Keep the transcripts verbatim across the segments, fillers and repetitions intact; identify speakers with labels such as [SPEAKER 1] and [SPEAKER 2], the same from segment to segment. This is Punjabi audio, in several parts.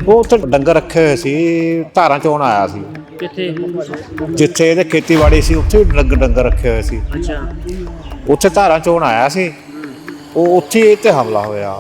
[SPEAKER 1] ਉਹ ਉੱਥੇ ਡੰਗਰ ਰੱਖੇ ਹੋਏ ਸੀ, ਧਾਰਾਂ ਚੋਣ ਆਇਆ ਸੀ।
[SPEAKER 2] ਕਿੱਥੇ?
[SPEAKER 1] ਜਿੱਥੇ ਇਹਦੇ ਖੇਤੀਬਾੜੀ ਸੀ ਉੱਥੇ ਡੰਗ ਡੰਗਰ ਰੱਖੇ ਹੋਏ ਸੀ।
[SPEAKER 2] ਅੱਛਾ,
[SPEAKER 1] ਉੱਥੇ ਧਾਰਾਂ ਚੋਣ ਆਇਆ ਸੀ, ਉਹ ਉੱਥੇ ਇਹ ਤੇ ਹਮਲਾ ਹੋਇਆ।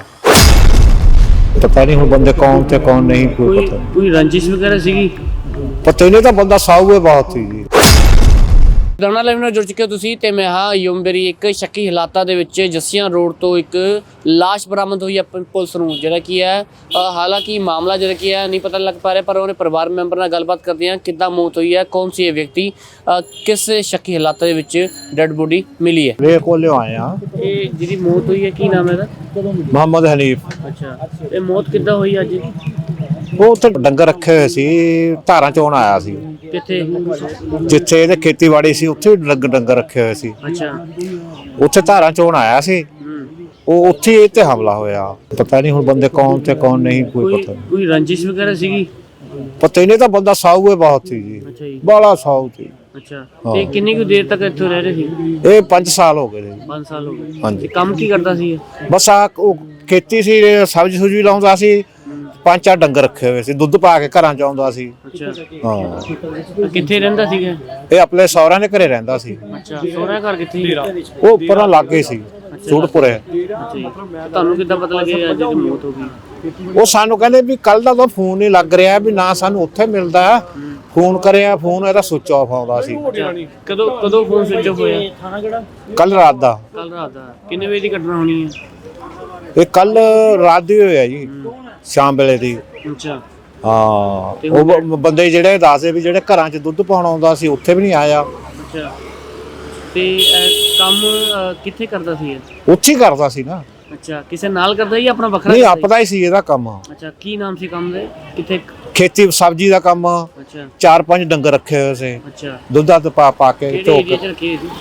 [SPEAKER 1] ਪਤਾ ਨਹੀਂ ਹੁਣ ਬੰਦੇ ਕੌਣ ਤੇ ਕੌਣ ਨਹੀਂ, ਕੋਈ
[SPEAKER 2] ਕੋਈ
[SPEAKER 1] ਪਤਾ
[SPEAKER 2] ਕੋਈ ਰੰਜਿਸ਼ ਵਗੈਰਾ ਸੀਗੀ?
[SPEAKER 1] ਪਤਾ ਨਹੀਂ, ਤਾਂ ਬੰਦਾ ਸਾਊ ਹੈ ਬਹੁਤ ਸੀ ਜੀ।
[SPEAKER 2] ਲੁਧਿਆਣਾ ਲਾਈਵ ਨਾਲ ਜੁੜ ਚੁੱਕੇ ਹੋ ਤੁਸੀਂ ਤੇ ਮੈਂ ਹਾਂ ਯੂਮਬੇਰੀ। ਇੱਕ ਸ਼ੱਕੀ ਹਾਲਾਤਾਂ ਦੇ ਵਿੱਚ ਜੱਸੀਆਂ ਰੋਡ ਤੋਂ ਇੱਕ ਲਾਸ਼ ਬਰਾਮਦ ਹੋਈ ਹੈ ਪੁਲਿਸ ਨੂੰ, ਜਿਹੜਾ ਕੀ ਹੈ ਹਾਲਾਂਕਿ ਮਾਮਲਾ ਜਿਹੜਾ ਕੀ ਹੈ ਨਹੀਂ ਪਤਾ ਲੱਗ ਪਾ ਰਿਹਾ, ਪਰ ਉਹਨੇ ਪਰਿਵਾਰ ਮੈਂਬਰ ਨਾਲ ਗੱਲਬਾਤ ਕਰਦੇ ਹਾਂ ਕਿੱਦਾਂ ਮੌਤ ਹੋਈ ਹੈ, ਕੌਣ ਸੀ ਇਹ ਵਿਅਕਤੀ, ਕਿਸ ਸ਼ੱਕੀ ਹਾਲਾਤਾਂ ਦੇ ਵਿੱਚ ਡੈਡ ਬੋਡੀ ਮਿਲੀ ਹੈ।
[SPEAKER 1] ਵੇ ਕੋਲੇ ਆਏ ਆ।
[SPEAKER 2] ਇਹ ਜਿਹਦੀ ਮੌਤ ਹੋਈ ਹੈ ਕੀ ਨਾਮ ਹੈ ਇਹਦਾ?
[SPEAKER 1] ਮੁਹੰਮਦ ਹਨੀਫ।
[SPEAKER 2] ਅੱਛਾ, ਇਹ ਮੌਤ ਕਿੱਦਾਂ ਹੋਈ ਅੱਜ?
[SPEAKER 1] ਉਹ ਉੱਥੇ ਡੰਗਰ ਰੱਖੇ ਹੋਏ ਸੀ, ਧਾਰਾਂ ਚੋਣ ਆਇਆ ਸੀ।
[SPEAKER 2] ਕਿੱਥੇ?
[SPEAKER 1] ਜਿੱਥੇ ਇਹਦੇ ਖੇਤੀਬਾੜੀ ਸੀ ਉੱਥੇ ਡੰਗ ਡੰਗਰ ਰੱਖੇ ਹੋਏ ਸੀ।
[SPEAKER 2] ਅੱਛਾ,
[SPEAKER 1] ਉੱਥੇ ਧਾਰਾਂ ਚੋਣ ਆਇਆ ਸੀ, ਉਹ ਉੱਥੇ ਇਹ ਤੇ ਹਮਲਾ ਹੋਇਆ। ਪਤਾ ਨਹੀਂ ਹੁਣ ਬੰਦੇ ਕੌਣ ਤੇ ਕੌਣ ਨਹੀਂ, ਕੋਈ
[SPEAKER 2] ਕੋਈ
[SPEAKER 1] ਪਤਾ ਨਹੀਂ।
[SPEAKER 2] ਕੋਈ ਰੰਜਿਸ਼ ਵਗੈਰਾ ਸੀਗੀ?
[SPEAKER 1] ਪਤਾ ਹੀ ਨਹੀਂ, ਤਾਂ ਬੰਦਾ ਸਾਊ ਹੈ ਬਹੁਤ ਸੀ ਜੀ,
[SPEAKER 2] ਅੱਛਾ ਜੀ,
[SPEAKER 1] ਬਾਲਾ ਸਾਊ ਸੀ।
[SPEAKER 2] ਅੱਛਾ। ਤੇ ਕਿੰਨੀ ਕੁ ਦੇਰ ਤੱਕ ਇੱਥੇ ਰਹਿ ਰਹੇ ਸੀ?
[SPEAKER 1] ਇਹ ਪੰਜ ਸਾਲ ਹੋ ਗਏ ਨੇ ਜੀ।
[SPEAKER 2] ਪੰਜ ਸਾਲ ਹੋ ਗਏ।
[SPEAKER 1] ਹਾਂਜੀ।
[SPEAKER 2] ਤੇ ਕੰਮ ਕੀ ਕਰਦਾ ਸੀ ਇਹ?
[SPEAKER 1] ਬਸ ਆ ਉਹ ਖੇਤੀ ਸੀ, ਸਬਜ਼ੀ ਸੁਬਜ਼ੀ ਲਾਉਂਦਾ ਸੀ, ਪੰਜ ਚਾਰ ਡੰਗਰ ਰੱਖੇ ਹੋਏ ਸੀ, ਦੁੱਧ ਪਾ ਕੇ ਘਰਾਂ ਚ ਆਉਂਦਾ ਸੀ।
[SPEAKER 2] ਅੱਛਾ,
[SPEAKER 1] ਹਾਂ,
[SPEAKER 2] ਕਿੱਥੇ ਰਹਿੰਦਾ ਸੀਗਾ?
[SPEAKER 1] ਇਹ ਆਪਣੇ ਸਹੁਰਿਆਂ ਦੇ ਘਰੇ ਰਹਿੰਦਾ ਸੀ।
[SPEAKER 2] ਅੱਛਾ, ਸੋਹਰਾ ਘਰ ਕਿੱਥੇ ਸੀ?
[SPEAKER 1] ਉਹ ਉੱਪਰ ਨਾਲ ਲਾਗੇ ਸੀ, ਸੂੜਪੁਰੇ।
[SPEAKER 2] ਅੱਛਾ ਜੀ। ਤੁਹਾਨੂੰ ਕਿੱਦਾਂ ਪਤਾ ਲੱਗਿਆ ਅੱਜ ਦੀ ਮੌਤ ਹੋ ਗਈ?
[SPEAKER 1] ਉਹ ਸਾਨੂੰ ਕਹਿੰਦੇ ਵੀ ਕੱਲ ਦਾ ਤਾਂ ਫੋਨ ਨਹੀਂ ਲੱਗ ਰਿਹਾ, ਵੀ ਨਾ ਸਾਨੂੰ ਉੱਥੇ ਮਿਲਦਾ। ਫੋਨ ਕਰਿਆ, ਫੋਨ ਇਹਦਾ ਸੁੱਚ ਆਫ ਆਉਂਦਾ ਸੀ।
[SPEAKER 2] ਕਦੋਂ ਕਦੋਂ ਫੋਨ ਸਵਿਚ ਆਫ ਹੋਇਆ?
[SPEAKER 1] ਕੱਲ ਰਾਤ ਦਾ।
[SPEAKER 2] ਕੱਲ ਰਾਤ ਦਾ। ਕਿੰਨੇ ਵਜੇ ਦੀ ਘਟਨਾ ਹੋਣੀ ਹੈ?
[SPEAKER 1] ਇਹ ਕੱਲ ਰਾਤ ਦੀ ਹੋਇਆ ਜੀ, ਸ਼ਾਮ ਵੇਲੇ ਦੀ।
[SPEAKER 2] ਅੱਛਾ।
[SPEAKER 1] ਹਾਂ, ਉਹ ਬ- ਬੰਦੇ ਜਿਹੜੇ ਦੱਸਦੇ ਵੀ ਜਿਹੜੇ ਘਰਾਂ 'ਚ ਦੁੱਧ ਪਾਉਣ ਆਉਂਦਾ ਸੀ ਉੱਥੇ ਵੀ ਨਹੀਂ ਆਇਆ।
[SPEAKER 2] ਅੱਛਾ। ਤੇ ਅਹ, ਕੰਮ ਅਹ, ਕਿੱਥੇ ਕਰਦਾ ਸੀ ਇਹ?
[SPEAKER 1] ਉੱਥੇ ਹੀ ਕਰਦਾ ਸੀ ਨਾ।
[SPEAKER 2] ਅੱਛਾ, ਕਿਸੇ ਨਾਲ ਕਰਦਾ ਜਾਂ ਆਪਣਾ ਵੱਖਰਾ
[SPEAKER 1] ਨਹੀਂ,
[SPEAKER 2] ਕਰਦਾ ਸੀ?
[SPEAKER 1] ਆਪਦਾ ਹੀ ਸੀ ਇਹਦਾ ਕੰਮ।
[SPEAKER 2] ਅੱਛਾ, ਕੀ ਨਾਮ ਸੀ ਕੰਮ ਦੇ? ਕਿੱਥੇ?
[SPEAKER 1] ਖੇਤੀ ਸਬਜ਼ੀ ਦਾ ਕੰਮ।
[SPEAKER 2] ਅੱਛਾ,
[SPEAKER 1] ਚਾਰ ਪੰਜ ਡੰਗਰ ਰੱਖੇ ਹੋਏ ਸੀ,
[SPEAKER 2] ਅੱਛਾ।
[SPEAKER 1] ਦੁੱਧ ਦੱਧ ਪਾ ਪਾ ਕੇ
[SPEAKER 2] ਕਿਹੜੇ ਏਰੀਆ 'ਚ ਰੱਖੀ ਸੀ?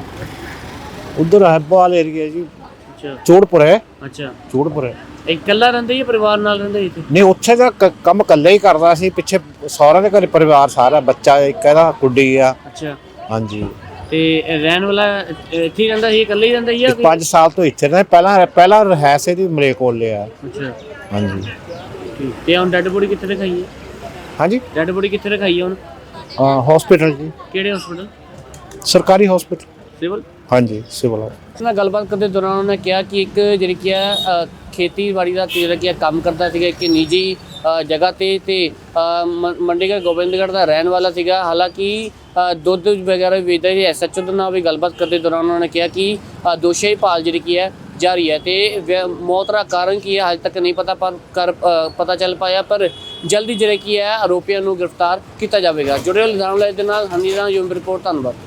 [SPEAKER 1] ਉਧਰ ਹੈਬੋਵਾਲ ਏਰੀਆ ਜੀ,
[SPEAKER 2] ਅੱਛਾ,
[SPEAKER 1] ਚੋੜਪੁਰੇ।
[SPEAKER 2] ਅੱਛਾ।
[SPEAKER 1] ਚੋੜਪੁਰੇ
[SPEAKER 2] ਇਕੱਲਾ ਰਹਿੰਦਾ ਜਾਂ ਪਰਿਵਾਰ ਨਾਲ ਰਹਿੰਦਾ ਇੱਥੇ?
[SPEAKER 1] ਨਹੀਂ, ਉੱਥੇ ਦਾ ਕ- ਕੰਮ ਇਕੱਲਾ ਹੀ ਕਰਦਾ ਸੀ। ਪਿੱਛੇ ਸਹੁਰਿਆਂ ਦੇ ਘਰੇ ਪਰਿਵਾਰ ਸਾਰਾ, ਬੱਚਾ ਇੱਕ ਇਹਦਾ, ਕੁੜੀ ਆ।
[SPEAKER 2] ਅੱਛਾ।
[SPEAKER 1] ਹਾਂਜੀ।
[SPEAKER 2] ਤੇ ਇਹ ਰਹਿਣ ਵਾਲਾ ਇੱਥੇ ਹੀ ਰਹਿੰਦਾ ਸੀ, ਇਕੱਲਾ ਹੀ ਰਹਿੰਦਾ ਸੀ ਜਾਂ ਕੋਈ?
[SPEAKER 1] ਪੰਜ ਸਾਲ ਤੋਂ ਇੱਥੇ ਰਹੇ। ਪਹਿਲਾਂ ਪਹਿਲਾਂ ਰਹਿਸ ਇਹਦੀ ਮਲੇਰਕੋਟਲੇ ਆ।
[SPEAKER 2] ਅੱਛਾ,
[SPEAKER 1] ਹਾਂਜੀ।
[SPEAKER 2] ਠੀਕ। ਤੇ ਹੁਣ ਡੈਡ ਬੋਡੀ ਕਿੱਥੇ ਰਖਾਈ ਹੈ?
[SPEAKER 1] ਹਾਂਜੀ,
[SPEAKER 2] ਡੈਡ ਬੋਡੀ ਕਿੱਥੇ ਰਖਾਈ ਹੈ ਹੁਣ?
[SPEAKER 1] ਹਸਪੀਟਲ ਜੀ,
[SPEAKER 2] ਕਿਹੜੇ ਹਸਪੀਟਲ?
[SPEAKER 1] ਸਰਕਾਰੀ ਹਸਪੀਟਲ।
[SPEAKER 2] ਸਿਵਲ?
[SPEAKER 1] ਹਾਂਜੀ, ਸਿਵਲ।
[SPEAKER 2] ਉਸ ਨਾਲ ਗੱਲਬਾਤ ਕਰਦੇ ਦੌਰਾਨ ਉਹਨੇ ਕਿਹਾ ਕਿ ਇੱਕ ਜਿਹੜੀ ਕੀ ਹੈ ਅ, ਖੇਤੀਬਾੜੀ ਦਾ ਜਿਹੜਾ ਕੀ ਹੈ ਕੰਮ ਕਰਦਾ ਸੀਗਾ ਇੱਕ ਨਿੱਜੀ ਅ, ਜਗ੍ਹਾ ਤੇ ਤੇ ਅ, ਮ- ਮੰਡੀਗੜ੍ਹ ਗੋਬਿੰਦਗੜ੍ਹ ਦਾ ਰਹਿਣ ਵਾਲਾ ਸੀਗਾ। ਹਾਲਾਂਕਿ ਅ, ਦੁੱਧ ਵਗੈਰਾ ਵੀ ਵੇਚਦਾ ਸੀ। ਐਸ ਐਚ ਓ ਦੇ ਨਾਲ ਵੀ ਗੱਲਬਾਤ ਕਰਦੇ ਦੌਰਾਨ ਉਹਨਾਂ ਨੇ ਕਿਹਾ ਕਿ ਅ, ਦੋਸ਼ੀ ਭਾਲ ਜਿਹੜੀ ਕੀ ਹੈ ਜਾਰੀ ਹੈ ਤੇ ਵਿ- ਮੌਤ ਦਾ ਕਾਰਨ ਕੀ ਹੈ ਹਾਲੇ ਤੱਕ ਨਹੀਂ ਪਤਾ, ਪਰ ਕਰ ਅ, ਪਤਾ ਚੱਲ ਪਾਇਆ, ਪਰ ਜਲਦੀ ਜਿਹੜਾ ਕੀ ਹੈ ਆਰੋਪੀਆਂ ਨੂੰ ਗ੍ਰਿਫਤਾਰ ਕੀਤਾ ਜਾਵੇਗਾ। ਜੁੜੇ ਹੋਏ ਲੁਧਿਆਣਾ ਲਾਈਵ ਦੇ ਨਾਲ ਹਨੀ ਰਾਣਾ, ਯੂਮ ਰਿਪੋਰਟ। ਧੰਨਵਾਦ।